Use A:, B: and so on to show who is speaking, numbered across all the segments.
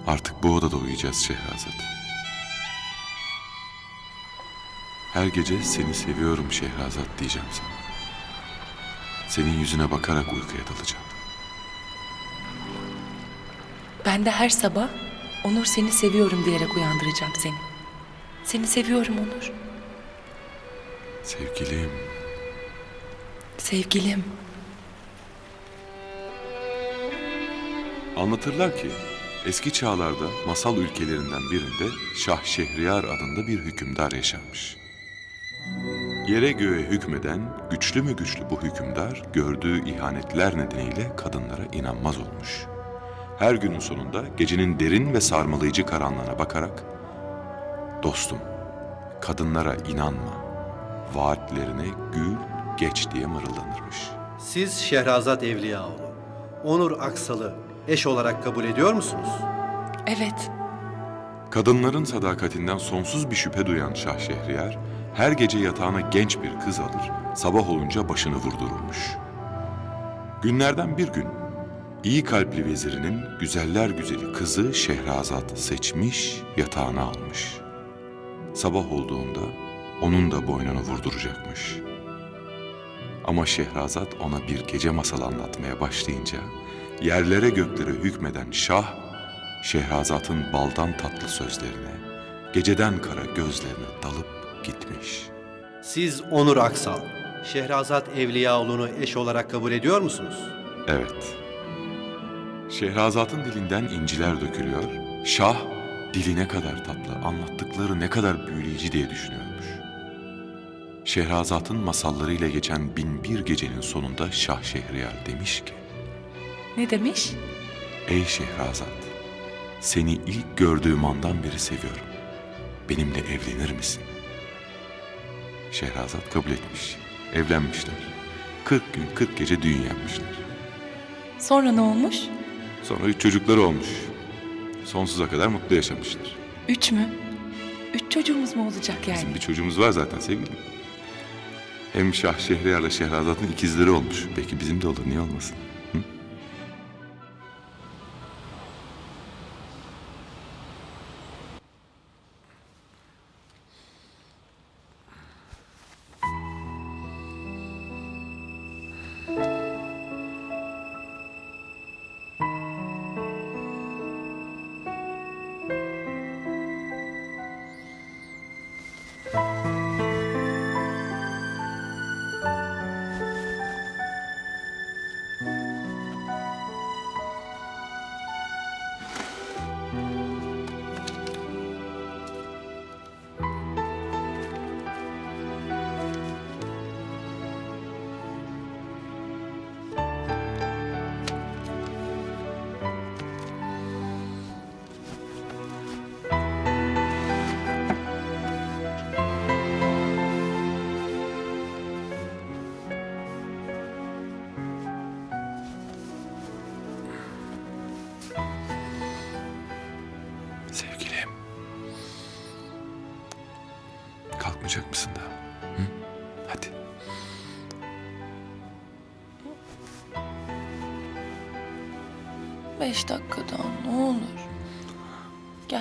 A: Artık bu odada uyuyacağız Şehrazat. Her gece seni seviyorum Şehrazat diyeceğim sana. Senin yüzüne bakarak uykuya dalacağım.
B: Ben de her sabah Onur seni seviyorum diyerek uyandıracağım seni. Seni seviyorum Onur.
A: Sevgilim.
B: Sevgilim.
A: Anlatırlar ki eski çağlarda masal ülkelerinden birinde Şah Şehriyar adında bir hükümdar yaşarmış. Yere göğe hükmeden güçlü mü güçlü bu hükümdar gördüğü ihanetler nedeniyle kadınlara inanmaz olmuş. Her günün sonunda gecenin derin ve sarmalayıcı karanlığına bakarak "Dostum, kadınlara inanma, vaatlerine gül geç" diye mırıldanırmış.
C: Siz Şehrazat Evliyaoğlu, Onur Aksal'ı eş olarak kabul ediyor musunuz?
B: Evet.
A: Kadınların sadakatinden sonsuz bir şüphe duyan Şah Şehriyar, her gece yatağına genç bir kız alır, sabah olunca başını vurdururmuş. Günlerden bir gün, iyi kalpli vezirinin güzeller güzeli kızı Şehrazat seçmiş, yatağına almış. Sabah olduğunda onun da boynunu vurduracakmış. Ama Şehrazat ona bir gece masalı anlatmaya başlayınca, yerlere göklere hükmeden Şah, Şehrazat'ın baldan tatlı sözlerine, geceden kara gözlerine dalıp gitmiş.
C: Siz Onur Aksal, Şehrazat Evliyaoğlu'nu eş olarak kabul ediyor musunuz?
A: Evet. Şehrazat'ın dilinden inciler dökülüyor, Şah dili ne kadar tatlı, anlattıkları ne kadar büyüleyici diye düşünüyormuş. Şehrazat'ın masallarıyla geçen 1001 gecenin sonunda Şah Şehriyar demiş ki,
B: Ne demiş?
A: "Ey Şehrazat, seni ilk gördüğüm andan beri seviyorum. Benimle evlenir misin?" Şehrazat kabul etmiş. Evlenmişler. 40 gün 40 gece düğün yapmışlar.
B: Sonra ne olmuş?
A: Sonra 3 çocukları olmuş. Sonsuza kadar mutlu yaşamışlar.
B: 3 mü? 3 çocuğumuz mu olacak yani?
A: Bizim bir çocuğumuz var zaten sevgilim. Hem Şah Şehriyar'la Şehrazat'ın ikizleri olmuş. Belki bizim de olur, niye olmasın? Hı? Sevgilim. Kalkmayacak mısın daha? Hı? Hadi.
B: Beş dakika daha ne olur. Gel.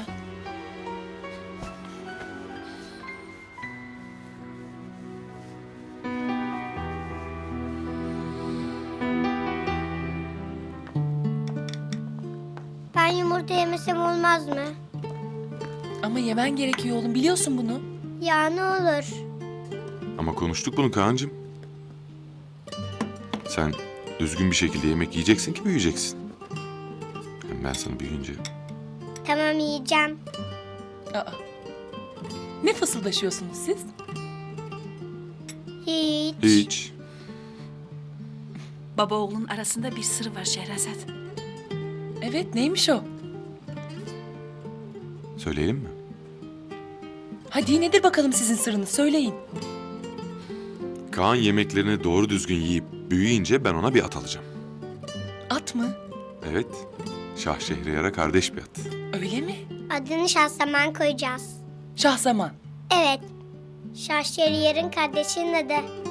D: Ben yumurta yemesem olmaz mı?
B: Ama yemen gerekiyor oğlum, biliyorsun bunu.
D: Ya ne olur.
A: Ama konuştuk bunu Kaan'cığım. Sen düzgün bir şekilde yemek yiyeceksin ki büyüyeceksin. Hem ben sana büyüyünce...
D: Tamam yiyeceğim.
B: Aa. Ne fısıldaşıyorsunuz siz?
D: Hiç.
A: Hiç.
E: Baba oğlun arasında bir sır var Şehrazat.
B: Evet, neymiş o?
A: Söyleyelim mi?
B: Hadi nedir bakalım sizin sırrınız, söyleyin.
A: Kaan yemeklerini doğru düzgün yiyip büyüyünce ben ona bir at alacağım.
B: At mı?
A: Evet. Şah Şehriyar'a kardeş bir at.
B: Öyle mi?
D: Adını Şahzaman koyacağız.
B: Şahzaman.
D: Evet. Şahşeriyer'in kardeşinin adı.